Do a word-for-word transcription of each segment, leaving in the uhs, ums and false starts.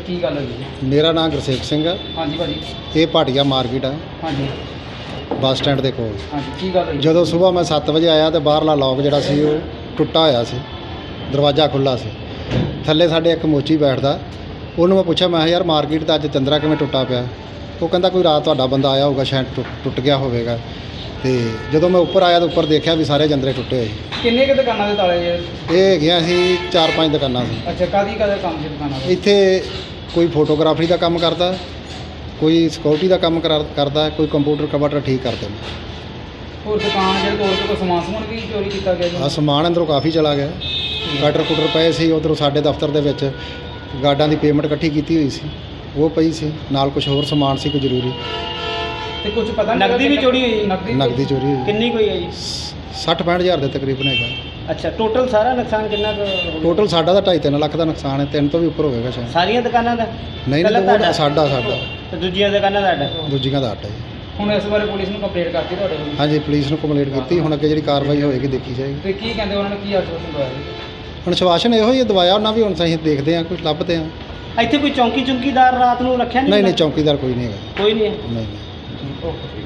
ਕੀ ਗੱਲ ਹੋਈ ਜੀ? ਮੇਰਾ ਨਾਮ ਗੁਰਸੇਵਕ ਸਿੰਘ ਹੈ। ਹਾਂਜੀ ਭਾਜੀ। ਇਹ ਭਾਟੀਆ ਮਾਰਕੀਟ ਹੈ ਹਾਂਜੀ ਬੱਸ ਸਟੈਂਡ ਦੇ ਕੋਲ। ਹਾਂਜੀ ਕੀ ਗੱਲ ਹੋਈ? ਜਦੋਂ ਸਵੇਰ ਮੈਂ ਸੱਤ ਵਜੇ ਆਇਆ ਤੇ ਬਾਹਰਲਾ ਲੋਕ ਜਿਹੜਾ ਸੀ ਉਹ ਟੁੱਟਾ ਹੋਇਆ ਸੀ, ਦਰਵਾਜ਼ਾ ਖੁੱਲ੍ਹਾ ਸੀ। ਥੱਲੇ ਸਾਡੇ ਇੱਕ ਮੋਚੀ ਬੈਠਦਾ, ਉਹਨੂੰ ਮੈਂ ਪੁੱਛਿਆ, ਮੈਂ ਕਿਹਾ ਯਾਰ ਮਾਰਕੀਟ ਦਾ ਅੱਜ ਚੰਦਰਾ ਕਿਵੇਂ ਟੁੱਟਾ ਪਿਆ? ਉਹ ਕਹਿੰਦਾ ਕੋਈ ਰਾਤ ਤੁਹਾਡਾ ਬੰਦਾ ਆਇਆ ਹੋਊਗਾ, ਸ਼ਾਇਦ ਟੁੱਟ ਟੁੱਟ ਗਿਆ ਹੋਵੇਗਾ। ਤੇ ਜਦੋਂ ਮੈਂ ਉੱਪਰ ਆਇਆ ਤਾਂ ਉੱਪਰ ਦੇਖਿਆ ਵੀ ਸਾਰੇ ਜੰਦਰੇ ਟੁੱਟੇ ਹੋਏ। ਕਿੰਨੇ ਕੁ ਦੁਕਾਨਾਂ ਦੇ ਤਾਲੇ ਜੇ? ਇਹ ਹੈਗੀਆਂ ਸੀ ਚਾਰ ਪੰਜ ਦੁਕਾਨਾਂ ਸੀ। ਅੱਛਾ, ਕਾਹਦੀ ਕਾਹਦਾ ਕੰਮ ਸੀ ਦੁਕਾਨਾਂ ਦਾ? ਇੱਥੇ ਕੋਈ ਫੋਟੋਗ੍ਰਾਫਰੀ ਦਾ ਕੰਮ ਕਰਦਾ, ਕੋਈ ਸਿਕਿਉਰਿਟੀ ਦਾ ਕੰਮ ਕਰਾ- ਕਰਦਾ, ਕੋਈ ਕੰਪਿਊਟਰ ਕੰਪਿਊਟਰ ਠੀਕ ਕਰਦੇ ਨੇ। ਹੋਰ ਦੁਕਾਨ ਜਿਹੜੇ ਤੋੜ ਕੇ ਕੋਈ ਸਮਾਨ ਸਮੂਨ ਵੀ ਚੋਰੀ ਕੀਤਾ ਗਿਆ ਜੀ? ਆ ਸਮਾਨ ਅੰਦਰੋਂ ਕਾਫੀ ਚਲਾ ਗਿਆ। ਕਟਰ ਕੁਟਰ ਪਏ ਸੀ ਉੱਧਰੋਂ, ਸਾਡੇ ਦਫ਼ਤਰ ਦੇ ਵਿੱਚ ਗਾਰਡਾਂ ਦੀ ਪੇਮੈਂਟ ਇਕੱਠੀ ਕੀਤੀ ਹੋਈ ਸੀ, ਉਹ ਪਈ ਸੀ ਨਾਲ। ਕੁਝ ਹੋਰ ਸਮਾਨ ਸੀ ਕੋਈ ਜ਼ਰੂਰੀ। ਤੇ ਕੁਝ ਪਤਾ ਨਹੀਂ ਨਕਦੀ ਵੀ ਚੋਰੀ ਹੋਈ? ਨਕਦੀ ਚੋਰੀ ਹੋਈ ਕਿੰਨੀ ਕੋਈ ਹੈ ਜੀ? ਸੱਠ ਪੈਂਹਠ ਹਜ਼ਾਰ ਦੇ ਤਕਰੀਬਨ ਹੈਗਾ। ਅੱਛਾ, ਟੋਟਲ ਸਾਰਾ ਨੁਕਸਾਨ ਕਿੰਨਾ ਕੁ ਹੋ ਗਿਆ? ਟੋਟਲ ਸਾਡਾ ਤਾਂ ਢਾਈ ਤਿੰਨ ਲੱਖ ਦਾ ਨੁਕਸਾਨ ਹੈ, ਤਿੰਨ ਤੋਂ ਵੀ ਉੱਪਰ ਹੋਵੇਗਾ ਸ਼ਾਇਦ। ਸਾਰੀਆਂ ਦੁਕਾਨਾਂ ਦਾ? ਨਹੀਂ ਪਹਿਲਾਂ ਨਹੀਂ, ਉਹ ਤੁਹਾਡਾ? ਸਾਡਾ ਸਾਡਾ ਤੇ ਦੂਜੀਆਂ ਦੁਕਾਨਾਂ ਦਾ ਅੱਡ? ਦੂਜੀਆਂ ਦਾ ਆਟਾ ਜੀ। ਹੁਣ ਇਸ ਬਾਰੇ ਪੁਲਿਸ ਨੂੰ ਕੰਪਲੇਂਟ ਕਰਤੀ ਤੁਹਾਡੇ ਕੋਲ? ਹਾਂਜੀ, ਪੁਲਿਸ ਨੂੰ ਕੰਪਲੇਂਟ ਕੀਤੀ। ਹੁਣ ਅੱਗੇ ਜਿਹੜੀ ਕਾਰਵਾਈ ਹੋਏਗੀ ਦੇਖੀ ਜਾਏਗੀ। ਤੇ ਕੀ ਕਹਿੰਦੇ ਉਹਨਾਂ ਨੇ, ਕੀ ਆਸ਼ਵਾਸਨ ਦਵਾਇਆ ਜੀ? ਹੁਣ ਸ਼ਵਾਸ਼ਨ ਇਹੋ ਹੀ ਦਵਾਇਆ ਉਹਨਾਂ ਵੀ। ਹੁਣ ਅਸੀਂ ਦੇਖਦੇ ਹਾਂ, ਕੁਝ ਲੱਭਦੇ ਹਾਂ। ਇੱਥੇ ਕੋਈ ਚੌਂਕੀ ਚੁੰਕੀਦਾਰ ਰਾਤ ਨੂੰ ਰੱਖਿਆ ਨਹੀਂ? ਨਹੀਂ ਨਹੀਂ, ਚੌਕੀਦਾਰ ਕੋਈ ਨਹੀਂ ਹੈਗਾ। ਕੋਈ ਨਹੀਂ ਹੈ? ਨਹੀਂ ਨਹੀਂ। ਓਕੇ।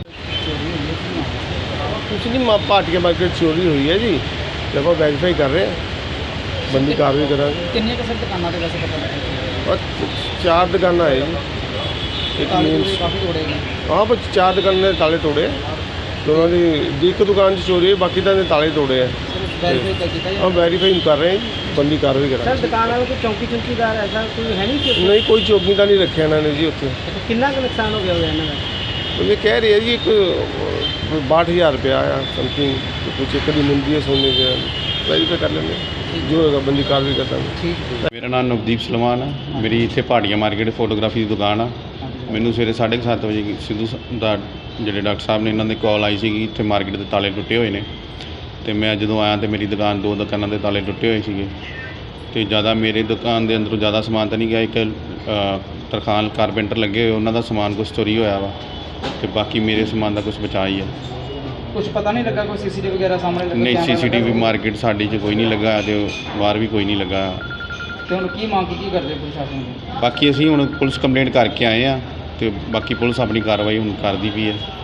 कुछ नहीं, माँ भाटिया मार्केट चोरी हुई है जी। जब आप वेरीफाई कर रहे हैं, बंदी कार्रवाई करा। ਕਿੰਨੀਆਂ ਕੁ ਸਰ ਦੁਕਾਨਾਂ ਦੇ ਵੈਸੇ ਪਤਾ ਲੱਗਿਆ? और चार दुकाना है जी। एक ਤਾਲੇ मेन ਤੂਲੇ ਕਾਫੀ ਤੋੜੇ ਗਏ। हाँ, बस चार दुकान ने ताले तोड़े। दोनों की एक दुकान से चोरी है, बाकी तो ताले तोड़े हैं। ਵੈਰੀਫਾਈ ਤਾਂ ਕੀਤਾ हम वेरीफाई कर रहे हैं जी, बंदी कार्रवाई करा। ਸਰ ਦੁਕਾਨ ਵਾਲੇ ਕੋਈ ਚੌਂਕੀ ਚੁੰਕੀਦਾਰ ਐਸਾ ਕੋਈ ਹੈ नहीं कि? नहीं, कोई चौकी का नहीं रखे इन्होंने जी उत्थे। अच्छा, कितना का नुकसान हो गया होगा ਇਹਨਾਂ ਦਾ? तो ये कह रही है जी एक बाठ हज़ार रुपया आया समथिंग। तो कुछ एक कभी मिलती है सोने के, वेरीफाई कर लेंगे जो होगा, बंदी कार्रवाई करता है। ਠੀਕ। ਮੇਰਾ ਨਾਮ ਨਵਦੀਪ ਸਲਮਾਨ ਆ। ਮੇਰੀ ਇੱਥੇ ਭਾਟੀਆ ਮਾਰਕੀਟ ਫੋਟੋਗ੍ਰਾਫੀ ਦੀ ਦੁਕਾਨ ਆ। ਮੈਨੂੰ ਸਵੇਰੇ ਸਾਢੇ ਕੁ ਸੱਤ ਵਜੇ ਸਿੱਧੂ ਸ- ਦਾ ਜਿਹੜੇ ਡਾਕਟਰ ਸਾਹਿਬ ਨੇ, ਇਹਨਾਂ ਦੇ ਕਾਲ ਆਈ ਸੀਗੀ ਇੱਥੇ ਮਾਰਕੀਟ ਦੇ ਤਾਲੇ ਟੁੱਟੇ ਹੋਏ ਨੇ। ਅਤੇ ਮੈਂ ਜਦੋਂ ਆਇਆ ਤਾਂ ਮੇਰੀ ਦੁਕਾਨ, ਦੋ ਦੁਕਾਨਾਂ ਦੇ ਤਾਲੇ ਟੁੱਟੇ ਹੋਏ ਸੀਗੇ। ਅਤੇ ਜ਼ਿਆਦਾ ਮੇਰੇ ਦੁਕਾਨ ਦੇ ਅੰਦਰੋਂ ਜ਼ਿਆਦਾ ਸਮਾਨ ਤਾਂ ਨਹੀਂ ਗਿਆ। ਇੱਕ ਅ, ਤਰਖਾਨ ਕਾਰਪੈਂਟਰ ਲੱਗੇ ਹੋਏ, ਉਹਨਾਂ ਦਾ ਸਮਾਨ ਕੁਛ ਚੋਰੀ ਹੋਇਆ ਵਾ। ਅਤੇ ਬਾਕੀ ਮੇਰੇ ਸਮਾਨ ਦਾ ਕੁਛ ਬਚਾ ਹੀ ਆ। ਕੁਝ ਪਤਾ ਨਹੀਂ ਲੱਗਾ ਕੋਈ ਸੀਸੀਟੀਵੀ ਵਗੈਰਾ ਸਾਹਮਣੇ ਲੱਗਾ? ਨਹੀਂ, ਕੈਮਰਾ ਸੀ ਸੀ ਟੀ ਵੀ ਲੱਗਾ? ਮਾਰਕੀਟ ਸਾਡੀ 'ਚ ਕੋਈ ਨਹੀਂ ਲੱਗਾ ਅਤੇ ਬਾਹਰ ਵੀ ਕੋਈ ਨਹੀਂ ਲੱਗਾ। ਤੇ ਹੁਣ ਕੀ ਮੰਗ ਕੀ ਕਰਦੇ ਪ੍ਰਸ਼ਾਸਨ ਤੋਂ? ਬਾਕੀ ਅਸੀਂ ਹੁਣ ਪੁਲਿਸ ਕੰਪਲੇਂਟ ਕਰਕੇ ਆਏ ਆ, ਅਤੇ ਬਾਕੀ ਪੁਲਿਸ ਆਪਣੀ ਕਾਰਵਾਈ ਹੁਣ ਕਰਦੀ ਪਈ ਹੈ।